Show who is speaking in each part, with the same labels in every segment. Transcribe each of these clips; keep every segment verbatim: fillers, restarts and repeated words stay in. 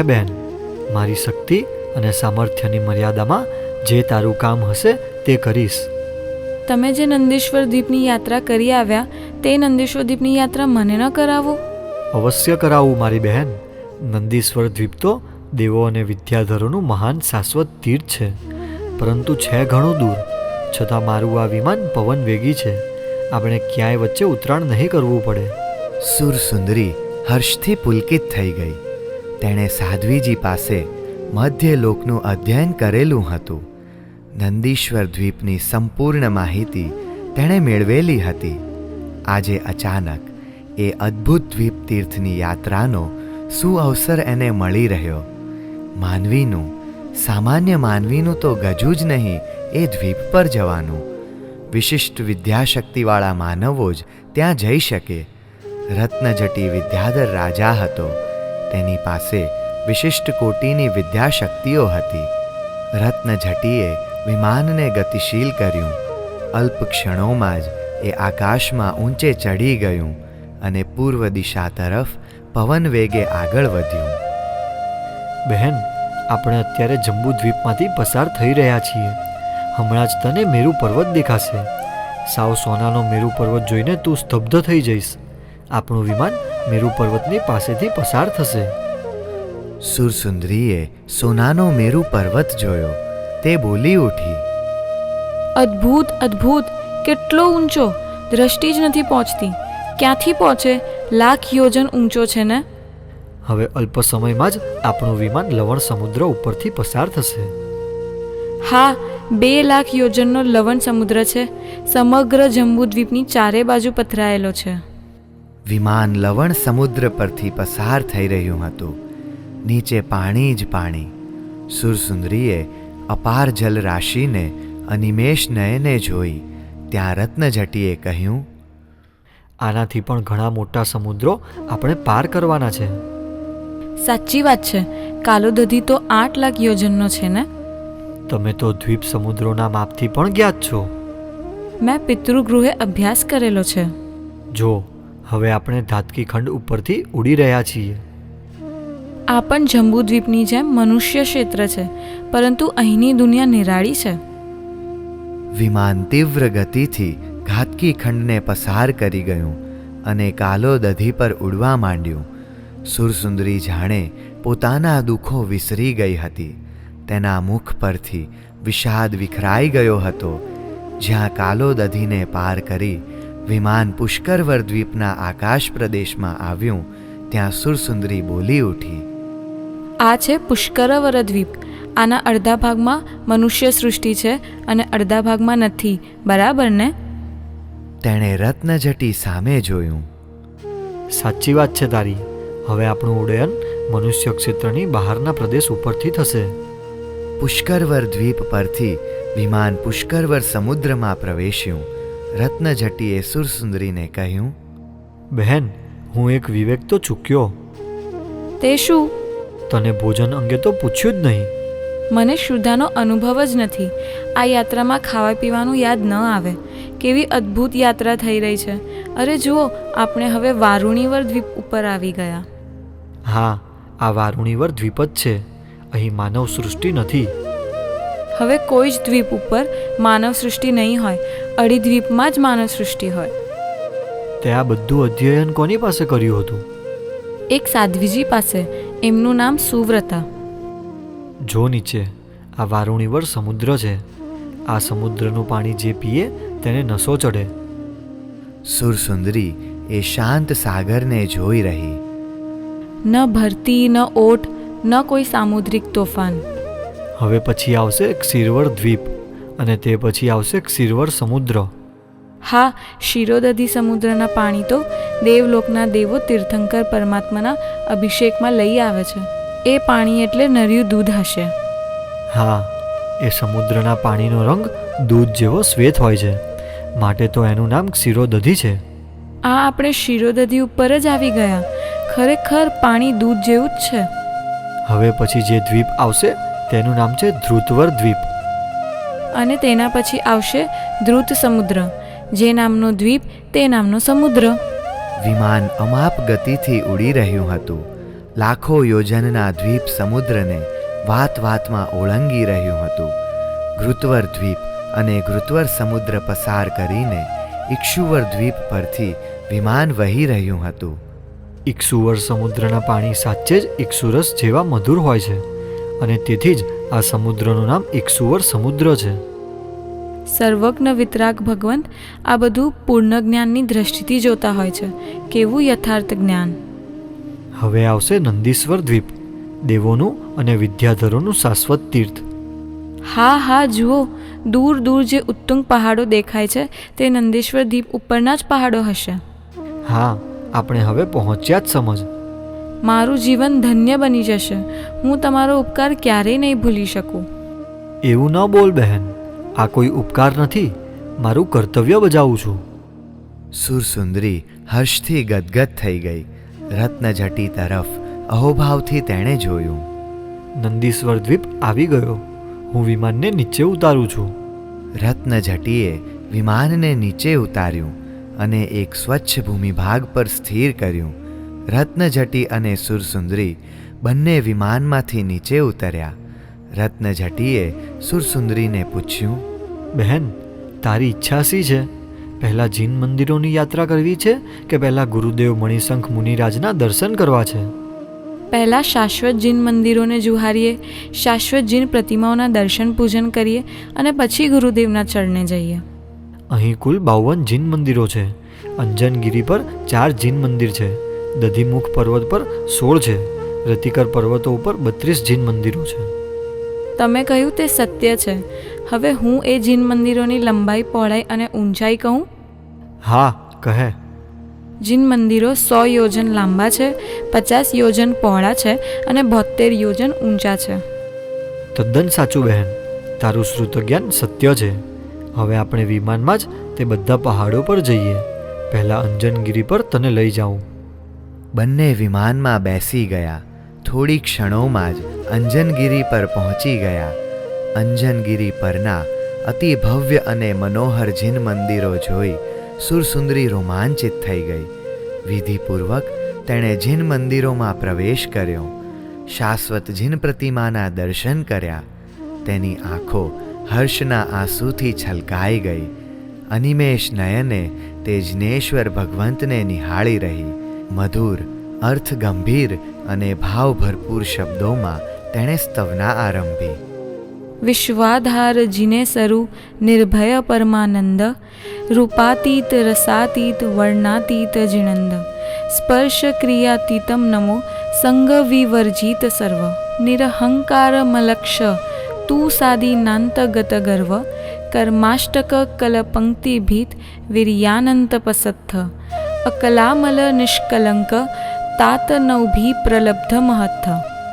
Speaker 1: હે બહેન, મારી શક્તિ અને સામર્થ્યની મર્યાદામાં જે તારું કામ હશે તે કરીશ.
Speaker 2: તમે જે નંદીશ્વર દ્વીપની યાત્રા કરી આવ્યા તે નંદીશ્વર દ્વીપની યાત્રા મને ન કરાવો?
Speaker 1: અવશ્ય કરાવું મારી બહેન. નંદીશ્વર દ્વીપ તો દેવો અને વિદ્યાધરોનું મહાન શાશ્વત તીર્થ છે, પરંતુ છે ઘણું દૂર. છતાં મારું આ વિમાન પવન વેગી છે. આપણે ક્યાંય વચ્ચે ઉતરાણ નહીં કરવું પડે.
Speaker 3: સુરસુંદરી હર્ષથી પુલકિત થઈ ગઈ. તેણે સાધ્વીજી પાસે મધ્યલોકનું અધ્યયન કરેલું હતું. નંદીશ્વર દ્વીપની સંપૂર્ણ માહિતી તેણે મેળવેલી હતી. આજે અચાનક એ અદ્ભુત દ્વીપ તીર્થની યાત્રાનો સુઅવસર એને મળી રહ્યો. માનવીનું, સામાન્ય માનવીનું તો ગજું જ નહીં એ દ્વીપ પર જવાનું. વિશિષ્ટ વિદ્યાશક્તિવાળા માનવો જ ત્યાં જઈ શકે. રત્નજટી વિદ્યાધર રાજા હતો. તેની પાસે વિશિષ્ટ કોટીની વિદ્યાશક્તિઓ હતી. રત્નજટીએ વિમાનને ગતિશીલ કર્યું. અલ્પ ક્ષણોમાં જ એ આકાશમાં ઊંચે ચડી ગયું અને પૂર્વ દિશા તરફ પવન વેગે આગળ વધ્યું.
Speaker 1: બહેન, આપણે અત્યારે જંબુદ્વીપમાંથી પસાર થઈ રહ્યા છીએ. હમણાં જ તને મેરુ પર્વત દેખાશે. સાવ સોનાનો મેરુ પર્વત જોઈને તું સ્તબ્ધ થઈ જઈશ. આપણું વિમાન મેરુ પર્વતની પાસેથી પસાર થશે.
Speaker 3: સુરસુંદરીએ સોનાનો મેરુ પર્વત જોયો. તે બોલી ઉઠી,
Speaker 2: અદ્ભુત, અદ્ભુત! કેટલો ઊંચો! દ્રષ્ટિ જ નથી પહોંચતી. ક્યાંથી પહોંચે? લાખ યોજન ઊંચો છે ને?
Speaker 1: હવે અલ્પ સમયમાં જ આપણું વિમાન લવણ સમુદ્ર ઉપરથી પસાર થશે.
Speaker 2: હા, બે લાખ યોજનનો લવણ સમુદ્ર છે. સમગ્ર જંબુદ્વીપની ચારે બાજુ પથરાયેલો છે.
Speaker 3: વિમાન લવણ સમુદ્ર પરથી પસાર થઈ રહ્યું હતું. નીચે પાણી જ પાણી. સુરસુંદરીએ અપાર જલરાશિને અનિમેષ નયને જોઈ. ત્યાં રત્નજટીએ કહ્યું,
Speaker 1: આનાથી પણ ઘણા મોટા સમુદ્રો આપણે પાર કરવાના છે.
Speaker 2: સાચી વાત છે. કાલોદધી તો આઠ લાખ યોજનનો છે ને?
Speaker 1: તમે તો દ્વીપ સમુદ્રોના માપથી પણ જ્ઞાત છો.
Speaker 2: મેં પિતૃગૃહે અભ્યાસ કરેલો છે.
Speaker 1: જો, હવે આપણે ધાતકી ખંડ ઉપરથી ઉડી રહ્યા છીએ.
Speaker 2: આ પણ જંબુદ્વીપની જેમ મનુષ્ય ક્ષેત્ર છે, પરંતુ અહીંની દુનિયા નિરાળી છે.
Speaker 3: વિમાન તીવ્ર ગતિથી ઘાતકી ખંડને પસાર કરી ગયું અને કાલોદધી પર ઉડવા માંડ્યું. સુરસુંદરી જાણે પોતાના દુઃખો વિસરી ગઈ હતી. તેના મુખ પરથી વિષાદ વિખરાઈ ગયો હતો. જ્યાં કાલોદધીને પાર કરી વિમાન પુષ્કરવર દ્વીપના આકાશ પ્રદેશમાં આવ્યું, ત્યાં સુરસુંદરી બોલી ઉઠી,
Speaker 2: આ છે પુષ્કરવર દ્વીપ. આના અડધા ભાગમાં મનુષ્ય સૃષ્ટિ છે અને અડધા ભાગમાં નથી, બરાબર ને?
Speaker 3: તેણે રત્નજટી સામે જોયું.
Speaker 1: સાચી વાત છે તારી. હવે આપણું ઉડ્ડયન મનુષ્ય ક્ષેત્રની બહારના પ્રદેશ ઉપરથી થશે.
Speaker 3: પુષ્કરવર દ્વીપ પરથી વિમાન પુષ્કરવર સમુદ્રમાં પ્રવેશ્યું. રત્નજટીએ સુરસુંદરીને કહ્યું,
Speaker 1: બહેન, હું એક વિવેક તો ચૂક્યો.
Speaker 2: તે શું?
Speaker 1: તને ભોજન અંગે તો પૂછ્યું જ નહીં.
Speaker 2: મને શુદ્ધાનો અનુભવ જ નથી. આ યાત્રામાં ખાવા પીવાનું યાદ ન આવે. કેવી અદ્ભુત યાત્રા થઈ રહી છે! અરે જુઓ, આપણે હવે વારુણીવર દ્વીપ ઉપર આવી ગયા.
Speaker 1: હા, આ વારુણીવર દ્વીપ જ છે. અહીં માનવ સૃષ્ટિ નથી.
Speaker 2: હવે કોઈ જ દ્વીપ ઉપર માનવ સૃષ્ટિ નહીં હોય. અડી દ્વીપમાં જ માનવ સૃષ્ટિ હોય.
Speaker 1: તે આ બધું અધ્યયન કોની પાસે કર્યું હતું?
Speaker 2: એક સાધ્વીજી પાસે. એમનું નામ સુવ્રતા.
Speaker 1: જો નીચે, આ વારુણીવર સમુદ્ર છે. આ સમુદ્રનું પાણી જે પીએ તેને નશો ચડે.
Speaker 3: સુરસુંદરી એ શાંત સાગરને જોઈ રહી.
Speaker 2: ન ભરતી, ન ઓટ, ન કોઈ સામુદ્રિક તોફાન.
Speaker 1: હવે પછી આવશે ક્ષીરવર દ્વીપ અને તે પછી આવશે ક્ષીરવર સમુદ્ર.
Speaker 2: હા, ક્ષીરોદધી સમુદ્રના પાણી તો દેવલોકના દેવો તીર્થંકર પરમાત્માના અભિષેકમાં લઈ આવે છે. એ પાણી એટલે નર્યું દૂધ હશે.
Speaker 1: હા, એ સમુદ્રના પાણીનો રંગ દૂધ જેવો શ્વેત હોય છે, માટે તો એનું નામ ક્ષીરોદધી છે.
Speaker 2: આ આપણે ક્ષીરોદધી ઉપર જ આવી ગયા. ખરેખર પાણી દૂધ જેવું જ છે.
Speaker 1: હવે પછી જે દ્વીપ આવશે તેનું નામ છે ધ્રુતવર દ્વીપ.
Speaker 2: અને તેના પછી આવશે ધ્રુત સમુદ્ર. જે નામનો દ્વીપ તે નામનો સમુદ્ર.
Speaker 3: વિમાન અમાપ ગતિથી ઉડી રહ્યું હતું. લાખો યોજનના દ્વીપ સમુદ્રને વાત વાતમાં ઓળંગી રહ્યું હતું. ઘૃતવર દ્વીપ અને ઘૃતવર સમુદ્ર પસાર કરીને ઇક્ષુવર દ્વીપ પરથી વિમાન વહી રહ્યું હતું.
Speaker 1: ઇક્ષુવર સમુદ્રના પાણી સાચે જ ઇક્ષુરસ જેવા મધુર હોય છે અને તેથી જ આ સમુદ્રનું નામ ઇક્ષુવર સમુદ્ર છે.
Speaker 2: સર્વજ્ઞ વિતરાગ ભગવંત આ બધું પૂર્ણ જ્ઞાનની દ્રષ્ટિથી જોતા હોય છે. કેવું યથાર્થ જ્ઞાન!
Speaker 1: હવે આવશે નંદીશ્વર દ્વીપ, દેવોનું અને વિદ્યાધરોનું શાશ્વત તીર્થ.
Speaker 2: હા હા જુઓ, દૂર દૂર જે ઉત્તુંગ પહાડો દેખાય છે તે નંદીશ્વર દ્વીપ ઉપરના જ પહાડો હશે.
Speaker 1: હા, આપણે હવે પહોંચ્યા જ સમજ.
Speaker 2: મારું જીવન ધન્ય બની જશે. હું તમારો ઉપકાર ક્યારેય નહીં ભૂલી શકું.
Speaker 1: એવું ન બોલ બહેન, આ કોઈ ઉપકાર નથી, મારું કર્તવ્ય બજાવું છું.
Speaker 3: સુરસુંદરી હર્ષથી ગદગદ થઈ ગઈ. રત્નજટી તરફ અહોભાવથી તેણે જોયું.
Speaker 1: નંદીશ્વર દ્વીપ આવી ગયો. હું વિમાનને નીચે ઉતારું છું.
Speaker 3: રત્નજટીએ વિમાનને નીચે ઉતાર્યું અને એક સ્વચ્છ ભૂમિભાગ પર સ્થિર કર્યું. રત્નજટી અને સુરસુંદરી બંને વિમાનમાંથી નીચે ઉતર્યા. રત્નજટીએ સુરસુંદરીને પૂછ્યું,
Speaker 1: બહેન, તારી ઈચ્છા શી છે? પહેલાં જીન મંદિરોની યાત્રા કરવી છે કે પહેલાં ગુરુદેવ મણિશંખ મુનિરાજના દર્શન કરવા છે?
Speaker 2: પહેલાં શાશ્વત જીન મંદિરોને જુહારીએ, શાશ્વત જીન પ્રતિમાઓના દર્શન પૂજન કરીએ અને પછી ગુરુદેવના ચરણે જઈએ.
Speaker 1: અહીં કુલ બાવન જીન મંદિરો છે. અંજનગીરી પર ચાર જીન મંદિર છે. દધીમુખ પર્વત પર સોળ છે. રતિકર પર્વતો ઉપર બત્રીસ જીન મંદિરો છે.
Speaker 2: તમે કહ્યું તે સત્ય છે. હવે હું એ જીન મંદિરોની લંબાઈ, પહોળાઈ અને ઊંચાઈ કહું?
Speaker 1: હા, કહે.
Speaker 2: જીન મંદિરો સો યોજન લાંબા છે, પચાસ યોજન પહોળા છે અને બોતેર યોજન ઊંચા છે.
Speaker 1: તદ્દન સાચું બહેન, તારું શ્રુતજ્ઞાન સત્ય છે. હવે આપણે વિમાનમાં જ તે બધા પહાડો પર જઈએ. પહેલાં અંજનગીરી પર તને લઈ જાઉં.
Speaker 3: બંને વિમાનમાં બેસી ગયા. થોડી ક્ષણોમાં જ અંજનગીરી પર પહોંચી ગયા. અંજનગીરી પરના અતિ ભવ્ય અને મનોહર જીન મંદિરો જોઈ સુરસુંદરી રોમાંચિત થઈ ગઈ. વિધિપૂર્વક તેણે જીન મંદિરોમાં પ્રવેશ કર્યો. શાશ્વત જીન પ્રતિમાના દર્શન કર્યા. તેની આંખો હર્ષના આંસુથી છલકાઈ ગઈ. અનિમેષ નયને તે જિનેશ્વર ભગવંતને નિહાળી રહી. મધુર, અર્થગંભીર અને ભાવભરપૂર શબ્દોમાં તેણે સ્તવના આરંભી.
Speaker 2: વિશ્વાધાર જીને સરુ નિર્ભય પરમાનંદ, રૂપાતીત રસાતીત વર્ણાતીત જીણંદ, સ્પર્શ ક્રિયાતીતમ નમો સંગ વિવર્જિત સર્વ, નિરહંકાર મલક્ષ તું સાદીનાંતગત ગર્વ, કર્માષ્ટક કલપંક્તિભીત વીર્યાનંત પસત્થ, અકલામલ નિષ્કલંક તાત નવભી પ્રલબ્ધ મહત્થ.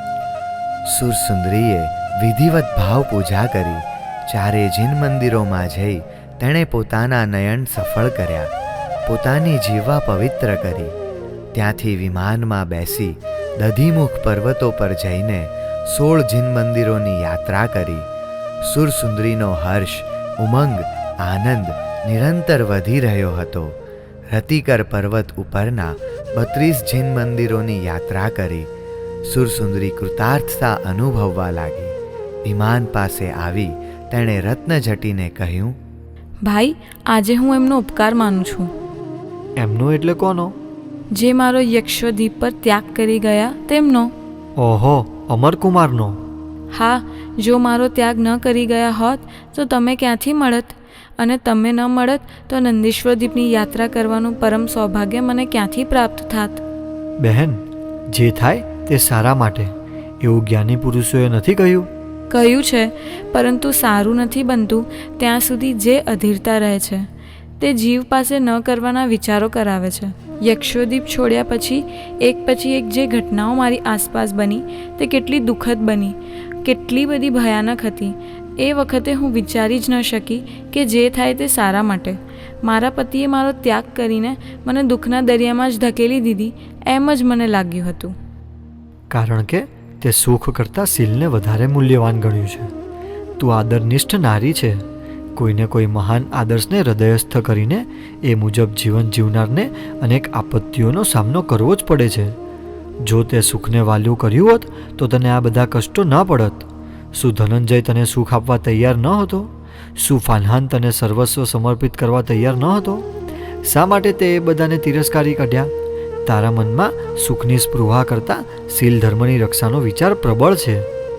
Speaker 3: સુરસુંદરીએ વિધિવત ભાવ પૂજા કરી. ચારે જીન મંદિરોમાં જઈ તેણે પોતાના નયન સફળ કર્યા, પોતાની જીવા પવિત્ર કરી. ત્યાંથી વિમાનમાં બેસી દધીમુખ પર્વતો પર જઈને સોળ જીન મંદિરોની યાત્રા કરી. સુરસુંદરીનો હર્ષ, ઉમંગ, આનંદ નિરંતર વધી રહ્યો હતો. રતિકર પર્વત ઉપરના બત્રીસ જીન મંદિરોની યાત્રા કરી. સુરસુંદરી કૃતાર્થતા અનુભવવા લાગી. વિમાન પાસે આવી તેણે રત્નજટીને કહ્યું,
Speaker 2: ભાઈ, આજે હું એમનો ઉપકાર માનું છું.
Speaker 1: એમનો એટલે કોનો?
Speaker 2: જે મારો યક્ષદ્વીપ પર ત્યાગ કરી ગયા તેમનો.
Speaker 1: ઓહો, અમરકુમારનો.
Speaker 2: હા, જો મારો ત્યાગ ન કરી ગયા હોત તો તમે ક્યાંથી મળત, અને તમે ન મળત તો નંદીશ્વર દ્વીપની યાત્રા કરવાનું પરમ સૌભાગ્ય મને ક્યાંથી પ્રાપ્ત થાત.
Speaker 1: બહેન, જે થાય તે સારા માટે, એવું જ્ઞાની પુરુષોએ નથી કહ્યું?
Speaker 2: કહ્યું છે, પરંતુ સારું નથી બનતું ત્યાં સુધી જે અધીરતા રહે છે તે જીવ પાસે ન કરવાના વિચારો કરાવે છે. યક્ષોદ્વીપ છોડ્યા પછી એક પછી એક જે ઘટનાઓ મારી આસપાસ બની તે કેટલી દુઃખદ બની, કેટલી બધી ભયાનક હતી. એ વખતે હું વિચારી જ ન શકી કે જે થાય તે સારા માટે. મારા પતિએ મારો ત્યાગ કરીને મને દુઃખના દરિયામાં જ ધકેલી દીધી એમ જ મને લાગ્યું હતું.
Speaker 1: કારણ કે તે સુખ કરતાં શીલને વધારે મૂલ્યવાન ગણ્યું છે. તું આદરનિષ્ઠ નારી છે. કોઈને કોઈ મહાન આદર્શને હૃદયસ્થ કરીને એ મુજબ જીવન જીવનારને અનેક આપત્તિઓનો સામનો કરવો જ પડે છે. જો તે સુખને વાલ્યું કર્યું હોત તો તને આ બધા કષ્ટો ન પડત. શું ધનંજય તને સુખ આપવા તૈયાર ન હતો? શું ફાલ્હાન તને સર્વસ્વ સમર્પિત કરવા તૈયાર ન હતો? શા માટે તે એ બધાને તિરસ્કારી કાઢ્યા? તારા મનમાં સુખની સ્પૃહા કરતાં શીલ ધર્મની રક્ષાનો વિચાર પ્રબળ છે.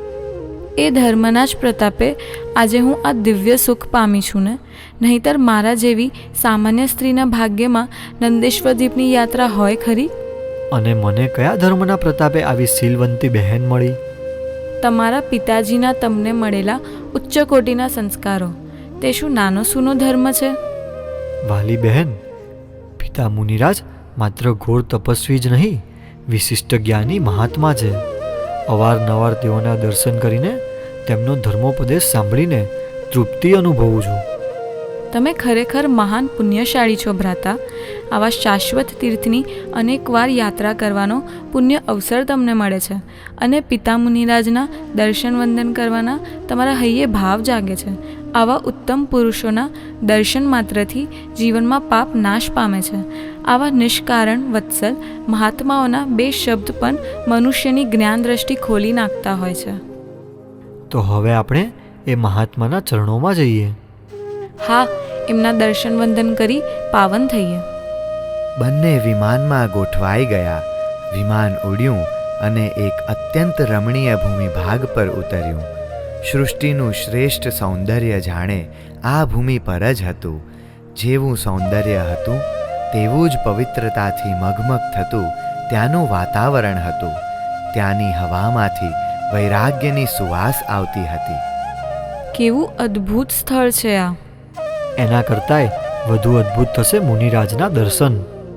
Speaker 2: એ ધર્મના જ પ્રતાપે આજે હું આ દિવ્ય સુખ પામી છું ને, નહીંતર મારા જેવી સામાન્ય સ્ત્રીના ભાગ્યમાં નંદેશ્વર દ્વીપની યાત્રા હોય ખરી?
Speaker 1: અને મને કયા ધર્મના પ્રતાપે આવી શીલવંતી બહેન મળી?
Speaker 2: તમારા પિતાજીના તમને મળેલા ઉચ્ચ કોટીના સંસ્કારો. તે શું નાનો સૂનો ધર્મ છે?
Speaker 1: વાલી બહેન, પિતા મુનિરાજ માત્ર ઘોર તપસ્વી જ નહીં, વિશિષ્ટ જ્ઞાની મહાત્મા છે. અવારનવાર તેઓના દર્શન કરીને તેમનો ધર્મોપદેશ સાંભળીને તૃપ્તિ અનુભવું છું.
Speaker 2: તમે ખરેખર મહાન પુણ્યશાળી છો ભ્રાતા. આવા શાશ્વત તીર્થની અનેકવાર યાત્રા કરવાનો પુણ્ય અવસર તમને મળે છે અને પિતા મુનિરાજના દર્શન વંદન કરવાના તમારા હૈયે ભાવ જાગે છે. આવા ઉત્તમ પુરુષોના દર્શન માત્રથી જીવનમાં પાપ નાશ પામે છે. આવા નિષ્કારણ વત્સલ મહાત્માઓના બે શબ્દ પણ મનુષ્યની જ્ઞાન દ્રષ્ટિ ખોલી નાખતા હોય છે.
Speaker 1: તો હવે આપણે એ મહાત્માના ચરણોમાં જઈએ.
Speaker 2: હા, એમના દર્શન વંદન કરી પાવન થઈએ.
Speaker 3: બંને વિમાનમાં ગોઠવાઈ ગયા. વિમાન ઉડ્યું અને એક અત્યંત રમણીય ભૂમિભાગ પર ઉતર્યું. સૃષ્ટિનું શ્રેષ્ઠ સૌંદર્ય જાણે આ ભૂમિ પર જ હતું. જેવું સૌંદર્ય હતું તેવું જ પવિત્રતાથી મગમગ થતું ત્યાંનું વાતાવરણ હતું. ત્યાંની હવામાંથી વૈરાગ્યની સુવાસ આવતી હતી.
Speaker 2: કેવું અદ્ભુત સ્થળ છે આ!
Speaker 1: એના કરતાંય વધુ અદ્ભુત થશે મુનિરાજના દર્શન.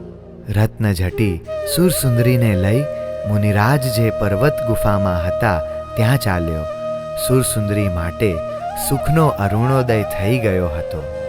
Speaker 3: રત્નજટી સુરસુંદરીને લઈ મુનિરાજ જે પર્વત ગુફામાં હતા ત્યાં ચાલ્યો. સુરસુંદરી માટે સુખનો અરુણોદય થઈ ગયો હતો.